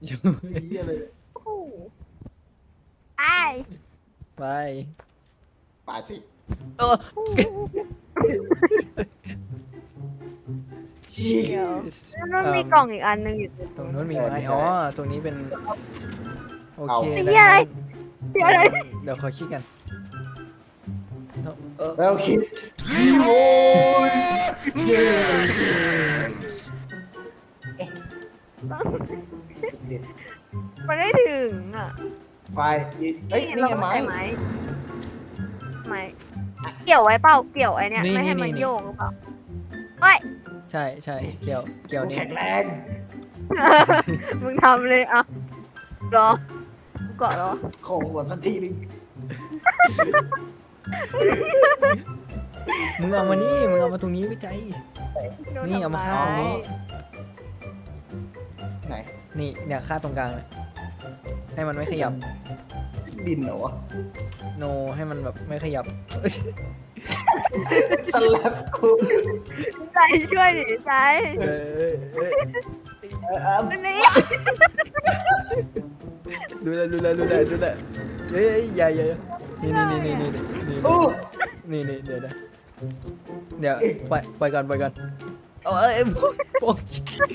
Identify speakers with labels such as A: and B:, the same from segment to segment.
A: เหี้ยเลย
B: โอ้โหไป
C: ไป
A: ป่าสิ
C: เออ
B: เดี๋ยวมันมีกล่องอีกอันหนึงอยู่
C: ตรงนู้นมีไหมอ๋อตรงนี้เป็นโอเค
B: ไอ้เหี้ยอะไรเหี้ยอะไร
C: เดี๋ยวขอคิดกันเออ
A: แล้วคิดโอ้ยเย้
B: มันได้ถึงอ่ะ
A: ไฟเฮ้ยนี่ไงไม้
B: เราต้องใส่ไม้เกี่ยวไว้เปล่าเกี่ยวไอ้เนี่ยไม่ให้มันโยกหรือเปล่าเฮ้ย
C: ใช่ใช่เกี่ยว
A: กู
C: นี่
A: แข็งแรง
B: มึงทำเลยอ่ะรอกูเกาะรอ
A: ขอหัวสักทีนึง
C: มึงเอามานี่มึงเอามาตรงนี้วิจัยนี่เอามาข้างตรงนี้
A: ไหน
C: นี่เนี่ยค่าตรงกลางเนี่ยให้มันไม่ขยับ
A: บินเหรอวะ
C: โนให้มันแบบไม่ขยับ
A: สลับกู
B: ใจช่วยดิใจ
C: เออ
B: นี่
C: ดูแลเฮ้ยอย่านี่
A: โอ้
C: นี่เดี๋ยวปล่อยก่อนเอ้ยพวก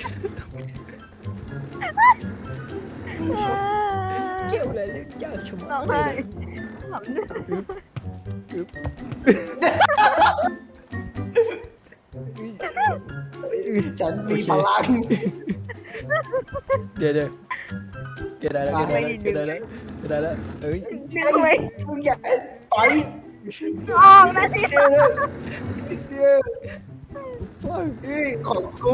C: เกี่ยวอะไรเรื่องยากชะมัด
B: ร้อง
C: เล
B: ไห้
C: ย
B: ขำเนี่ย
A: ฉันมีพลัง
C: เดี๋ยวเกิดได้แล้วเอ้ย
B: ดึงไว้
A: มึงอย่าไป
B: ออกนะสิ
A: เอ้ยของกู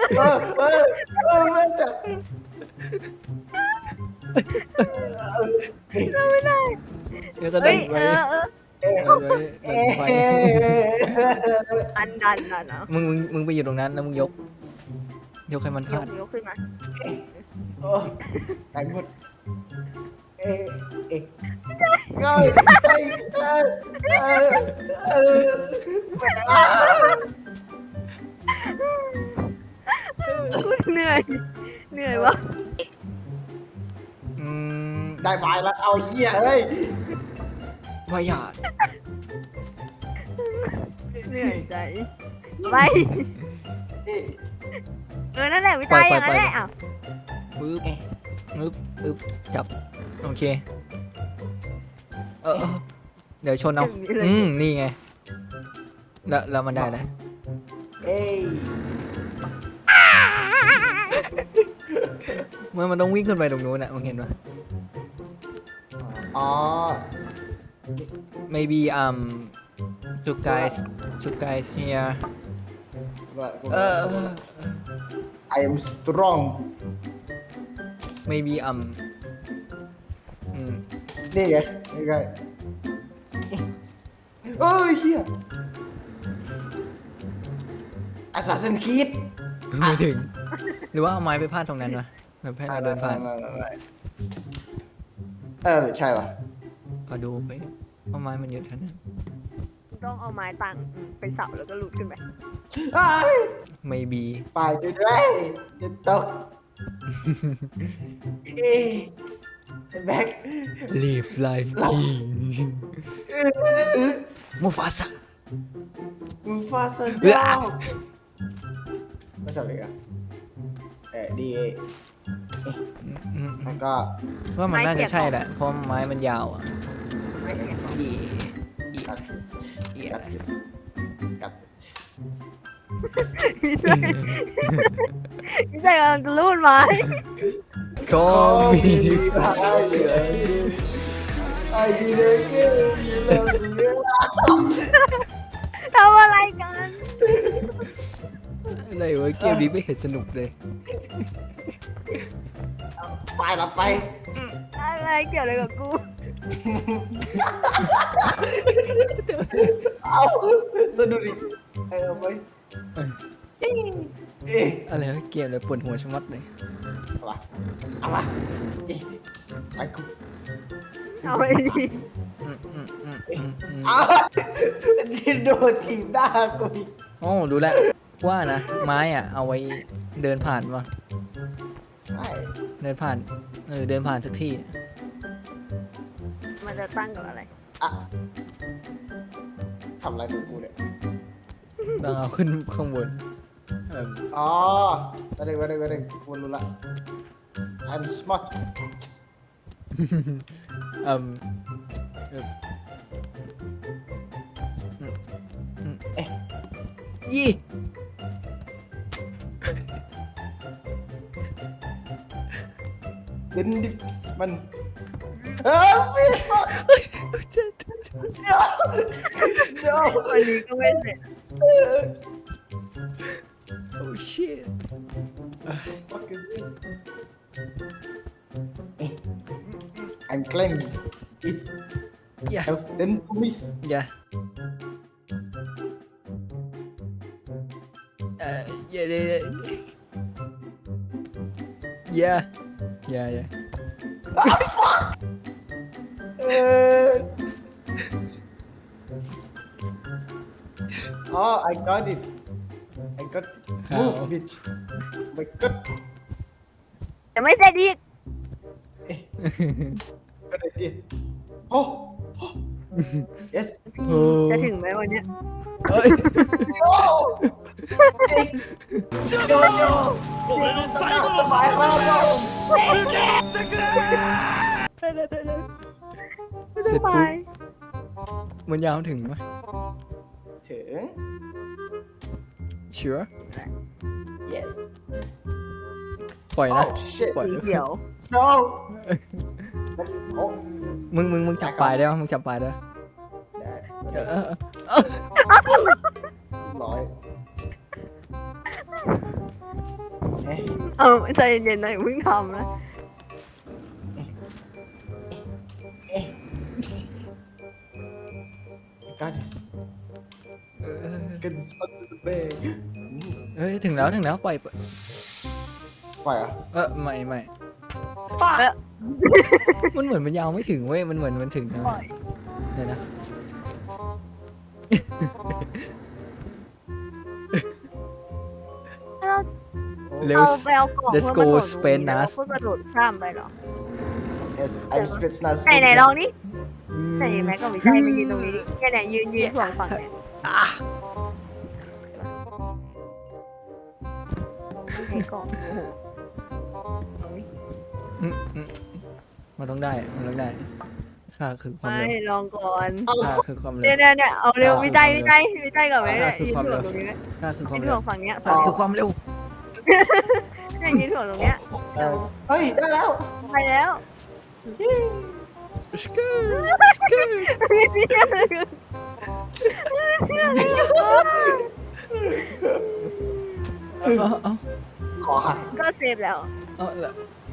A: มันจะ
B: ไม่ได้
C: เดี๋ยวก็
B: เฮ้
C: ดั
B: ย
C: นไว้
B: เออ อันดันน่ะเนาะ
C: มึงไปอยู่ตรงนั้นแล้วมึงยกให้มันพ
B: ย
C: ลาก ด
B: ยกขึ้นมา
A: ไอ้หมดเอ๊ะ
B: กูเหนื่อยวะ
A: ได้บายแล้วเอาเหี้ยเฮ้ยว
C: ายา
A: เหนื่อย
B: ใจไปนั่นแหละวิจัยอย่างนั้นแหละอ่ะ
C: ปึ๊บจับโอเคเดี๋ยวชนเอานี่ไงแล้วมันได้แล้ว
A: เอ้ย
C: เมื่อมันต้องวิ่งขึ้นไปตรงนู้นน่ะมึงเห็นปะ
A: อ๋อ
C: maybe you guys here
A: I am strong
C: maybe
A: นี่ไงนี่ไงเอ้ยเฮีย Assassin's Creed
C: ไม่ถึงหรือว่าเอาไม้ไปพาดตรงนั้นวะแบบให้เราเดินผ่าน
A: ใช่ป่ะ
C: พอดูไปเอาไม้มันเยอะขนาดนั้น
B: ต้องเอาไม้ตังไปเสาแล้วก็หลุดขึ้นไป
C: maybe
A: ฝ่ายด้วยจะตกเอ้ยแบ็ค
C: live life king มูฟาซา
A: มึงฟาสดาวไม่ทำอีกอ่ะดีแล้วก็
C: ว่ามันน่าจะใช่แหละเพราะไม้มันยาวอ่ะ
B: ไม่ใช่ของ
A: cut this cut this cut this
B: วิจัยกำลังจะรูดไม้
C: ก็มี
A: ไอ้เด็กเยอะ
B: ทำอะไรกัน
C: อะไรวะเกมนี้ไม่เห็นสนุกเลย
A: ไปละไป
B: อะไรเกี่ยวอะไรกับกู
A: เอาสนุกดิเอาไป
C: อะไรวะเกมเลยปวดหัวชะมัดเลย
A: เอามาไปกู
B: เอาไปดิ
A: เอาที่โดนทีมหน้ากูอีก
C: โอ้ดูแลวว่านะไม้อ่ะเอาไว้เดินผ่านวะ
A: ใช่
C: เดินผ่านเดินผ่านสักที่
B: มันจะตั้งกับอะไร
A: อะทำอะไรกูเนี่ย
C: ต้องเอาขึ้นข้างบนเออ
A: อ๋อมาดึงกูรู้ละ I'm smart
C: เออยี่
A: เดินดิมันพี่เดี๋ยว
B: วันนี้ก็ไม่เสร็จ
C: โอ้ชิต
A: Fuck is this? I'm claiming it's
C: อย่า
A: send to me
C: อย่าอย่าเลยอย่า
A: Oh, I got it. I got it. Move,
C: How?
A: bitch. My God.
B: จะไม่เสร็จอีก
A: Good idea. Oh. Yes.
B: จะถึงไหมวันเนี้ย
C: เฮ้ย
A: No. Jojo. This is the last of my home.
B: ไม่ต้องไป
C: มันยาวถึงไหม
A: ถึง
C: sure
A: Yes.
C: ปล่อยนะ
A: Oh shit.
C: ปล่อย
B: สีเขียว
A: No. Oh.
C: มึงจับปลายได้ปะมึงจับปลายได้ปะ
A: ได้ ร้อยเอ๊ะ
B: เอาใจเย็นๆหน่อยเพิ่งทำนะ
A: Got this. Get this under the bag.
C: เฮ้ยถึงแล้วปล่อย
A: ปล่อยเหรอ่ะ
C: ไม่
B: เอ๊ะ
C: มันเหมือนมันยาวไม่ถึงเว้ยมันเหมือนมันถึงนะ
B: ปล่อย
C: เดี๋ยวนะ เร็ว
B: เอาไปเอากล่อง
C: Let's
B: เพื่อ
C: go
B: มาโดดตรง
C: Spain
B: นี้แล้ว
C: Nas
B: ก็กระโดดข้ามไปเหรอ
A: Yes I'm Spetsnaz
B: ไหนลองนี่ไหนแม็กก็ไม่ใช่ไปยืนตรงนี้ดิเนี่ยยืนฝั่งเนี่ยไอ้กล่องโอ้โหเอาดิ
C: มันต้องได้ค่าคือความ
B: ไม่
C: เร็ว
B: ลองก่อน
C: ค่าคือความเร็ว
B: เนี่ยเอาเร็ววิจัยกับแม่เนี่ย
C: คือ
B: ยืน
C: ความ
B: ถ่
C: เร็
B: ว
C: ว
B: งตรงนี้ไหม
C: ค่าคือความ
B: ยืน
C: เร็
B: ถ่
C: ว
B: วงฝั่งเนี้ย
C: ค่าคือความเร็ว
B: เนี่ยยืนถ่วงตรงเนี้ย
A: เฮ้ย ได้แล้ว
B: ไปแล้ว
C: สกูเอา
A: ขอหัก
B: ก็เซฟแล้ว
C: เอาละ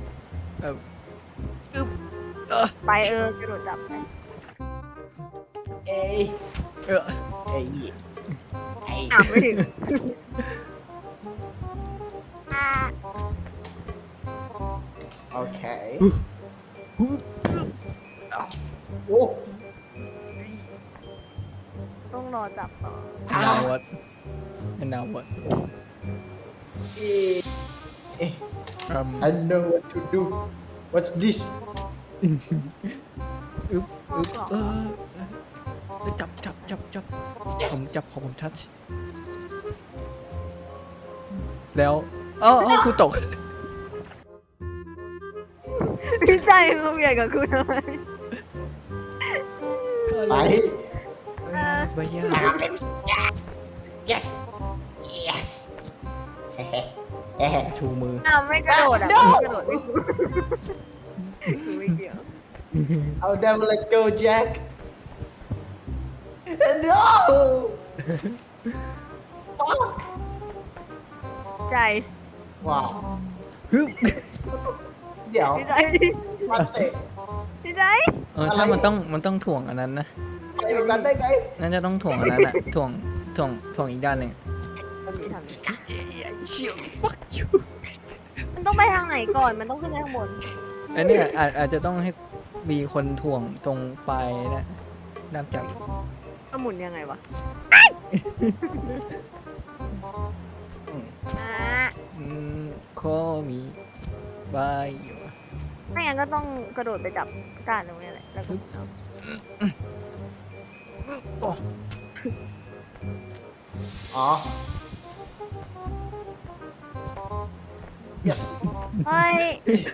B: ไปกระโดดจับไป
A: เอ้ย
C: เออ
A: เอ้ย
B: ไม่ถึง
A: โอเคโอ้
B: ต้องรอจับต่อ
C: now what and now what
A: เอ๊ะ I know what to do What's this
C: จับผมทัชแล้วอ๋อกูตก
B: พี่ใจมึงเบียดกับกูทำไม
A: ไป
C: ไปยา
A: Yes Yes
C: ชูมือ
B: ไม่กระโดดอ่ะไม่กระโดดกูไม่เกี่ยว
A: I'll never let go Jack No Fuck
B: ใจ
A: ว้าว
C: ฮึบ
A: เดี๋ยว
B: พี่ใจ
A: มาเตะ
B: พี่ใจ
C: ถ้ามันต้องถ่วงอันนั้นนะ
A: ไปตรงนั้นได้ไง
C: น่าจะต้องถ่วงอันนั้นอะถ่วงอีกด้านหนึ่ง
B: มันมีทางนี้
C: เชี่ยว fuck you
B: มันต้องไปทางไหนก่อนมันต้องขึ้นไปข้างบน
C: อันเนี้ยอาจจะต้องให้มีคนถ่วงตรงปลายนะด้ามจับ
B: ก็หมุนยังไงวะอ่ะ
C: ข้อมีบายอยู่
B: ไม่งั้นก็ต้องกระโดดไปจับก้านตรงนี้แหละแล้วก็เอา
A: อ๋อ yes
B: เฮ้ย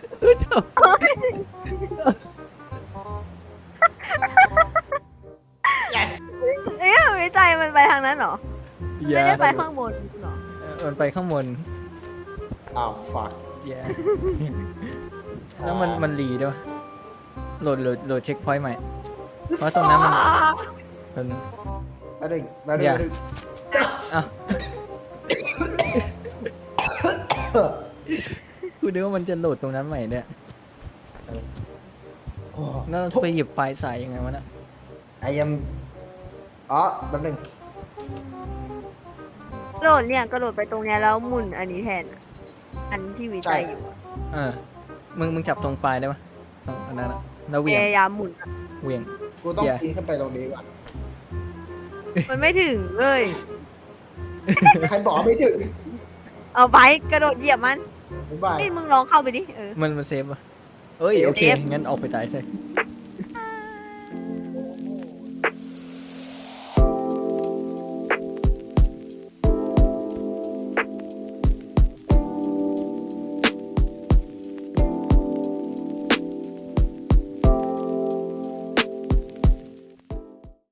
A: yes
B: เอ๊ะวิจัยมันไปทางนั้นเหรอ
C: อย่า
B: ไม่ได้ไปข้างบนเหรอ
C: มันไปข้างบน
A: อ้าว fuck
C: อย่าแล้วมันรีด้วยโหลดเช็คพอยต์ใหม่ เพราะตรงนั้นมัน
A: มาดึงมาดึง
C: อย่า
A: มาดึง
C: อ้าวกูนึกว่ามันจะโหลดตรงนั้นใหม่เนี่ย
A: โอ้
C: แล้วไปหยิบปลายสายยังไงวะน่ะ
A: ไอยังอ๋อแป๊บนึง
B: กระโดดเนี่ยกระโดดไปตรงเนี้ยแล้วหมุนอันนี้แทนอะอันที่วิจัยอยู่อะ
C: เออมึงจับตรงปลายได้ปะตรงอันนั้นอะแล้ว
B: พ
C: เหวี่ยง
B: ยายามหมุนอะ
C: เหวี่ยง
A: กูต้อง
C: อย่า
A: ปีนขึ้นไปตรงนี้ก่อน
B: มันไม่ถึงเลย
A: ใครบอกไม่ถึง
B: เอาไปกระโดดเหยียบมัน
A: บ๊ายบาย
B: นี่มึงลองเข้าไปดิ
C: มันเซฟปะเอ้ยโอเค
B: เซฟ
C: งั้นออกไปตายใช่